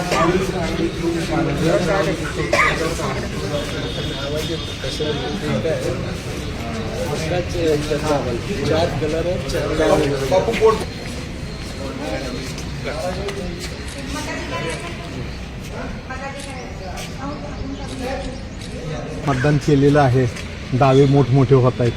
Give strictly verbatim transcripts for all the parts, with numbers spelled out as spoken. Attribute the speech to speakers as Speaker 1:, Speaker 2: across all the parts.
Speaker 1: चार कलर है, चार
Speaker 2: मतदान केलेलं आहे, दावे मोठमोठे होत आहेत.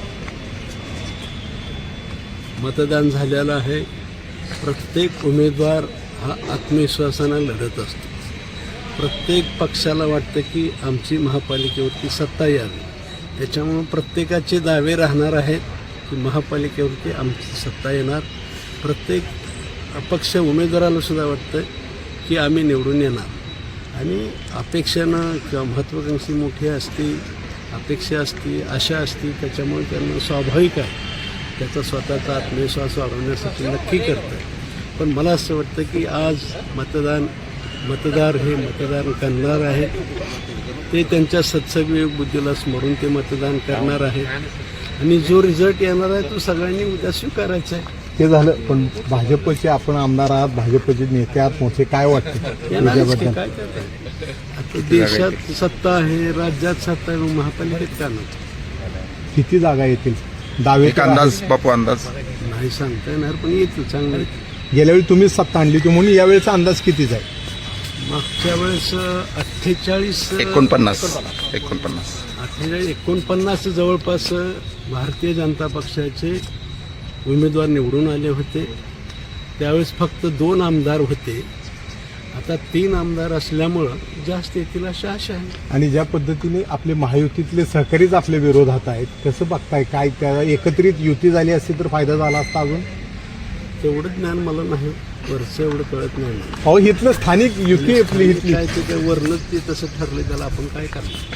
Speaker 3: मतदान झालेलं आहे. प्रत्येक उमेदवार हा आत्मविश्वासानं लढत असतो. प्रत्येक पक्षाला वाटतं की आमची महापालिकेवरती सत्ता यावी. त्याच्यामुळं प्रत्येकाचे दावे राहणार आहेत की महापालिकेवरती आमची सत्ता येणार. प्रत्येक अपक्ष उमेदवाराला सुद्धा वाटतं की आम्ही निवडून येणार. आणि अपेक्षानं किंवा महत्त्वाकांक्षी मोठी असते, अपेक्षा असते, आशा असते. त्याच्यामुळे त्यांना स्वाभाविक आहे त्याचा स्वतःचा आत्मविश्वास वाढवण्यासाठी नक्की करतं. पण मला असं वाटतं की आज मतदान मतदार हे मतदान करणार आहेत. ते त्यांच्या सत्सविवेक बुद्धीला स्मरून ते मतदान करणार आहेत. आणि जो रिझल्ट येणार आहे तो सगळ्यांनी उद्या स्वीकारायचा आहे.
Speaker 2: ते झालं, पण भाजपचे आपण आमदार आहात, भाजपचे नेते आहात मोठे, काय वाटते त्याच्याबद्दल?
Speaker 3: काय करताय? आता देशात सत्ता आहे, राज्यात सत्ता आहे, महापालिकेत का नाही?
Speaker 2: किती जागा येतील? दावे
Speaker 4: एक अंदाज बापू, अंदाज
Speaker 3: नाही सांगता येणार, पण येतो चांगलं.
Speaker 2: गेल्या वेळी तुम्हीच सत्ता आणली होती म्हणून यावेळेचा अंदाज कितीचा आहे?
Speaker 3: मागच्या वेळेस अठ्ठेचाळीस
Speaker 4: एकोणपन्नास एकोणपन्नास
Speaker 3: अठ्ठेचाळीस एकोणपन्नास जवळपास भारतीय जनता पक्षाचे उमेदवार निवडून आले होते. त्यावेळेस फक्त दोन आमदार होते. आता तीन आमदार असल्यामुळं जास्त येतील अशी आशा आहे.
Speaker 2: आणि ज्या पद्धतीने आपले महायुतीतले सहकारीच आपल्या विरोधात आहेत, कसं बघताय? काय त्या एकत्रित युती झाली असती तर फायदा झाला असता? अजून
Speaker 3: तेवढं ज्ञान मला नाही, वरचं एवढं कळत नाही मला.
Speaker 2: अहो, इथलं स्थानिक युती आपली इथली
Speaker 3: काय ते काय वरनंच ते तसं ठरले, त्याला आपण काय करणार?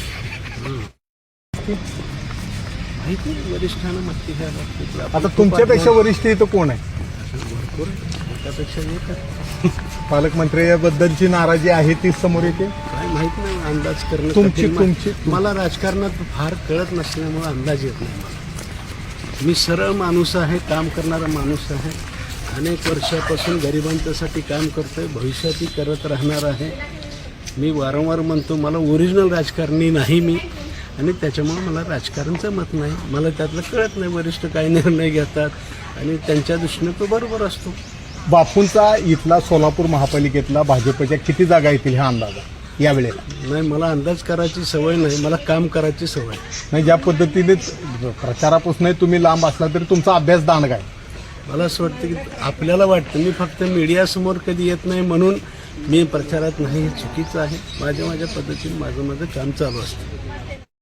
Speaker 3: माहिती नाही, वरिष्ठांना माहिती घ्यायला.
Speaker 2: आता तुमच्यापेक्षा वरिष्ठ इथं कोण आहे?
Speaker 3: भरपूर त्यापेक्षा येतात.
Speaker 2: पालकमंत्र्याबद्दलची नाराजी आहे ती समोर येते.
Speaker 3: काय माहित नाही, अंदाज करणं
Speaker 2: तुमची
Speaker 3: कठीण.
Speaker 2: तुमची
Speaker 3: मला राजकारणात फार कळत नसल्यामुळे अंदाज येत नाही मला. मी सरळ माणूस आहे, काम करणारा माणूस आहे. अनेक वर्षापासून गरिबांच्यासाठी काम करतोय, भविष्यातही करत राहणार आहे. मी वारंवार म्हणतो मला ओरिजिनल राजकारणी नाही मी, आणि त्याच्यामुळे मला राजकारणचं मत नाही. मला त्यातलं कळत नाही वरिष्ठ काय निर्णय घेतात आणि त्यांच्या दृष्टीने तो बरोबर असतो.
Speaker 2: बापूंचा इथला सोलापूर महापालिकेतला भाजपच्या किती जागा येतील हा अंदाज आहे यावेळेला?
Speaker 3: नाही, मला अंदाज करायची सवय नाही, मला काम करायची सवय.
Speaker 2: नाही, ज्या पद्धतीने प्रचारापासून तुम्ही लांब असला तरी तुमचा अभ्यास दांडगा आहे.
Speaker 3: मला असं वाटतं की आपल्याला वाटतं मी फक्त मीडियासमोर कधी येत नाही म्हणून मी प्रचारात नाही, हे चुकीचं आहे. माझ्या माझ्या पद्धतीने माझं माझं काम चालू असतं.